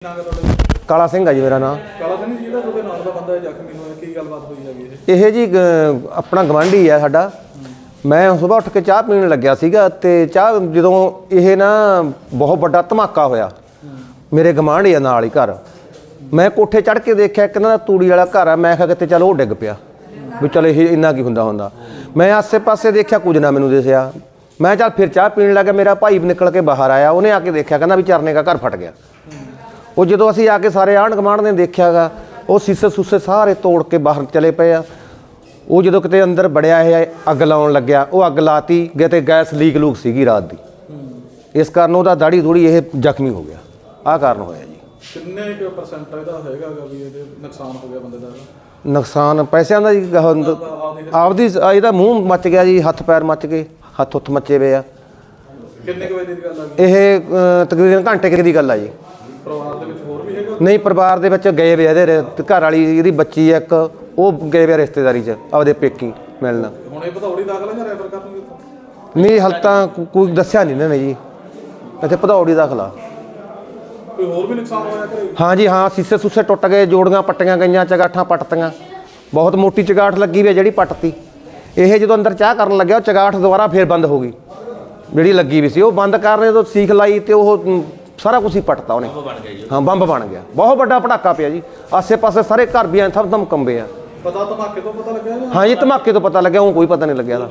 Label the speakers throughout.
Speaker 1: ਕਾਲਾ ਸਿੰਘ ਆ ਜੀ ਮੇਰਾ ਨਾਮ।
Speaker 2: ਕਾਲਾ ਸਿੰਘ ਜੀ, ਜਿਹੜਾ ਤੁਹਾਡੇ ਨਾਲ ਦਾ ਬੰਦਾ ਜ਼ਖਮੀ ਹੋਇਆ, ਕੀ ਗੱਲਬਾਤ ਹੋਈ ਹੈਗੀ?
Speaker 1: ਇਹ ਜੀ ਆਪਣਾ ਗਵਾਂਢੀ ਆ ਸਾਡਾ। ਮੈਂ ਸੁਬਾਹ ਉੱਠ ਕੇ ਚਾਹ ਪੀਣ ਲੱਗਿਆ ਸੀਗਾ ਤੇ ਚਾਹ ਜਦੋਂ ਇਹ ਨਾ ਬਹੁਤ ਵੱਡਾ ਧਮਾਕਾ ਹੋਇਆ ਮੇਰੇ ਗਵਾਂਢੀ ਆ ਨਾਲ ਹੀ ਘਰ। ਮੈਂ ਕੋਠੇ ਚੜ੍ਹ ਕੇ ਦੇਖਿਆ ਇੱਕ ਨਾ ਤੂੜੀ ਵਾਲਾ ਘਰ ਆ। ਮੈਂ ਕਿਹਾ ਕਿਤੇ ਚਲ ਉਹ ਡਿੱਗ ਪਿਆ ਵੀ ਚਲ ਇਹ ਇੰਨਾ ਕੀ ਹੁੰਦਾ। ਮੈਂ ਆਸੇ ਪਾਸੇ ਦੇਖਿਆ, ਕੁਝ ਨਾ ਮੈਨੂੰ ਦਿਸਿਆ। ਮੈਂ ਚੱਲ ਫਿਰ ਚਾਹ ਪੀਣ ਲੱਗਾ। ਮੇਰਾ ਭਾਈ ਨਿਕਲ ਕੇ ਬਾਹਰ ਆਇਆ, ਉਹਨੇ ਆ ਕੇ ਦੇਖਿਆ, ਕਹਿੰਦਾ ਵੀ ਚਰਨੇ ਦਾ ਘਰ ਫਟ ਗਿਆ। ਉਹ ਜਦੋਂ ਅਸੀਂ ਆ ਕੇ ਸਾਰੇ ਆਂਢ ਗੁਆਂਢ ਨੇ ਦੇਖਿਆਗਾ, ਉਹ ਸੀਸੇ ਸੂਸੇ ਸਾਰੇ ਤੋੜ ਕੇ ਬਾਹਰ ਚਲੇ ਪਏ ਆ। ਉਹ ਜਦੋਂ ਕਿਤੇ ਅੰਦਰ ਵੜਿਆ ਇਹ ਅੱਗ ਲਾਉਣ ਲੱਗਿਆ, ਉਹ ਅੱਗ ਲਾਤੀ ਗਏ ਤੇ ਗੈਸ ਲੀਕ ਲੂਕ ਸੀਗੀ ਰਾਤ ਦੀ, ਇਸ ਕਾਰਨ ਉਹਦਾ ਦਾੜੀ ਦੂੜੀ ਇਹ ਜ਼ਖਮੀ ਹੋ ਗਿਆ। ਆਹ ਕਾਰਨ ਹੋਇਆ ਜੀ।
Speaker 2: ਕਿੰਨੇ ਕੁ ਪਰਸੈਂਟ ਇਹਦਾ ਹੈਗਾ ਵੀ ਇਹਦੇ ਨੁਕਸਾਨ ਹੋ ਗਿਆ ਬੰਦੇ ਦਾ?
Speaker 1: ਨੁਕਸਾਨ ਪੈਸਿਆਂ ਦਾ ਜੀ, ਆਪਦੀ ਇਹਦਾ ਮੂੰਹ ਮੱਚ ਗਿਆ ਜੀ, ਹੱਥ ਪੈਰ ਮੱਚ ਗਏ, ਹੱਥ ਹੁੱਥ ਮੱਚੇ ਪਏ ਆ।
Speaker 2: ਕਿੰਨੇ ਕੁ ਵਜੇ ਦੀ ਗੱਲ ਆ?
Speaker 1: ਇਹ ਤਕਰੀਬਨ ਘੰਟੇ ਕੁ ਦੀ ਗੱਲ ਆ ਜੀ।
Speaker 2: ਪਰਿਵਾਰ ਦੇ ਵਿੱਚ ਹੋਰ ਵੀ ਹੈਗਾ? ਨਹੀਂ,
Speaker 1: ਪਰਿਵਾਰ ਦੇ ਵਿੱਚ ਗਏ ਵੇ ਇਹਦੇ ਘਰ ਵਾਲੀ, ਇਹਦੀ ਬੱਚੀ ਇੱਕ, ਉਹ ਗਏ ਵੇ ਰਿਸ਼ਤੇਦਾਰੀ 'ਚ ਆਪਦੇ ਪੇਕੀ ਮਿਲਣ।
Speaker 2: ਹੁਣ ਇਹ ਭਦੌੜੀ ਦਾਖਲ ਹੈ ਜਾਂ ਰੈਫਰ ਕਰਨਗੇ ਇੱਥੋਂ?
Speaker 1: ਨਹੀਂ, ਹਾਲੇ ਤਾਂ ਕੋਈ ਦੱਸਿਆ ਨਹੀਂ ਇਹਨਾਂ ਨੇ ਜੀ। ਇੱਥੇ ਭਦੌੜੀ ਦਾਖਲਾ।
Speaker 2: ਕੋਈ ਹੋਰ ਵੀ ਨੁਕਸਾਨ ਹੋਇਆ ਘਰੇ?
Speaker 1: ਹਾਂ ਜੀ, ਹਾਂ, ਸੀਸੇ ਸੂਸੇ ਟੁੱਟ ਗਏ, ਜੋੜੀਆਂ ਪੱਟੀਆਂ ਗਈਆਂ, ਚਗਾਠਾਂ ਪੱਟਤੀਆਂ। ਬਹੁਤ ਮੋਟੀ ਚਗਾਠ ਲੱਗੀ ਵੀ ਹੈ ਜਿਹੜੀ ਪੱਟਤੀ। ਇਹ ਜਦੋਂ ਅੰਦਰ ਚਾਹ ਕਰਨ ਲੱਗਿਆ, ਉਹ ਚਗਾਠ ਦੁਬਾਰਾ ਫੇਰ ਬੰਦ ਹੋ ਗਈ ਜਿਹੜੀ ਲੱਗੀ ਵੀ ਸੀ। ਉਹ ਬੰਦ ਕਰਨੇ ਤੋਂ ਸੀਖ ਲਾਈ ਤੇ ਉਹ ਸਾਰਾ ਕੁਝ ਹੀ ਪੱਟਤਾ ਉਹਨੇ। ਹਾਂ, ਬੰਬ ਬਣ ਗਿਆ। ਬਹੁਤ ਵੱਡਾ ਪਟਾਕਾ ਪਿਆ ਜੀ। ਆਸੇ ਪਾਸੇ ਸਾਰੇ ਘਰ ਵੀ ਐਂ ਥਮ ਕੰਬੇ ਆ।
Speaker 2: ਪਤਾ ਧਮਾਕੇ ਤੋਂ ਪਤਾ ਲੱਗਿਆ?
Speaker 1: ਹਾਂ ਜੀ, ਧਮਾਕੇ ਤੋਂ ਪਤਾ ਲੱਗਿਆ, ਉਹ ਕੋਈ ਪਤਾ ਨਹੀਂ ਲੱਗਿਆ।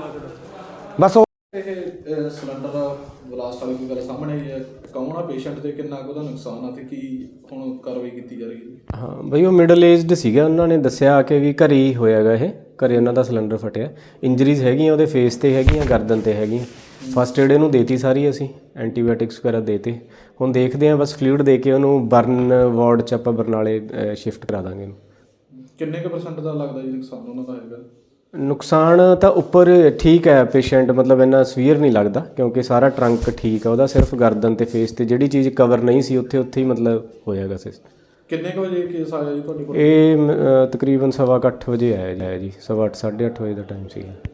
Speaker 1: ਬਸ ਉਹ
Speaker 2: ਇਹ ਸਿਲੰਡਰ ਬਲਾਸਟ ਵਾਲੀ ਕੋਈ ਗੱਲ ਸਾਹਮਣੇ ਆਈ ਹੈ? ਕੌਣ ਆ ਪੇਸ਼ੈਂਟ ਤੇ ਕਿੰਨਾ ਕੁ ਉਹਦਾ ਨੁਕਸਾਨ ਆ ਤੇ ਕੀ ਹੁਣ ਕਾਰਵਾਈ ਕੀਤੀ ਜਾ ਰਹੀ ਹੈ?
Speaker 3: ਹਾਂ ਬਈ, ਉਹ ਮਿਡਲ ਏਜਡ ਸੀਗਾ। ਉਹਨਾਂ ਨੇ ਦੱਸਿਆ ਕਿ ਵੀ ਘਰੇ ਹੀ ਹੋਇਆਗਾ, ਇਹ ਘਰੇ ਉਹਨਾਂ ਦਾ ਸਿਲੰਡਰ ਫਟਿਆ। ਇੰਜਰੀਜ਼ ਹੈਗੀਆਂ ਉਹਦੇ ਫੇਸ ਤੇ ਹੈਗੀਆਂ, ਗਰਦਨ ਤੇ ਹੈਗੀਆਂ। ਫਸਟ ਏਡ ਇਹਨੂੰ ਦੇਤੀ ਸਾਰੀ, ਅਸੀਂ ਐਂਟੀਬਾਇਓਟਿਕਸ ਵਗੈਰਾ ਦੇਤੇ। ਹੁਣ ਦੇਖਦੇ ਹਾਂ, ਬਸ ਫਲੂਇਡ ਦੇ ਕੇ ਉਹਨੂੰ ਬਰਨ ਵਾਰਡ 'ਚ ਆਪਾਂ ਬਰਨਾਲੇ ਸ਼ਿਫਟ ਕਰਾ ਦਾਂਗੇ ਇਹਨੂੰ।
Speaker 2: ਕਿੰਨੇ ਕੁ ਪਰਸੈਂਟ ਦਾ ਲੱਗਦਾ ਜੀ ਨੁਕਸਾਨ ਉਹਨਾਂ ਦਾ ਹੈਗਾ?
Speaker 3: ਨੁਕਸਾਨ ਤਾਂ ਉੱਪਰ ਠੀਕ ਹੈ, ਪੇਸ਼ੈਂਟ ਮਤਲਬ ਇੰਨਾ ਸਵੀਅਰ ਨਹੀਂ ਲੱਗਦਾ ਕਿਉਂਕਿ ਸਾਰਾ ਟਰੰਕ ਠੀਕ ਆ ਉਹਦਾ। ਸਿਰਫ ਗਰਦਨ ਤੇ ਫੇਸ ਤੇ ਜਿਹੜੀ ਚੀਜ਼ ਕਵਰ ਨਹੀਂ ਸੀ ਉੱਥੇ ਹੀ ਮਤਲਬ ਹੋਇਆਗਾ।
Speaker 2: ਕਿੰਨੇ ਕੁ ਵਜੇ ਕੇਸ ਆਇਆ ਜੀ ਤੁਹਾਡੇ ਕੋਲ?
Speaker 3: ਇਹ ਤਕਰੀਬਨ 8:15 ਵਜੇ ਆਇਆ ਜੀ। 8:30 8:30 ਵਜੇ ਦਾ ਟਾਈਮ ਸੀਗਾ।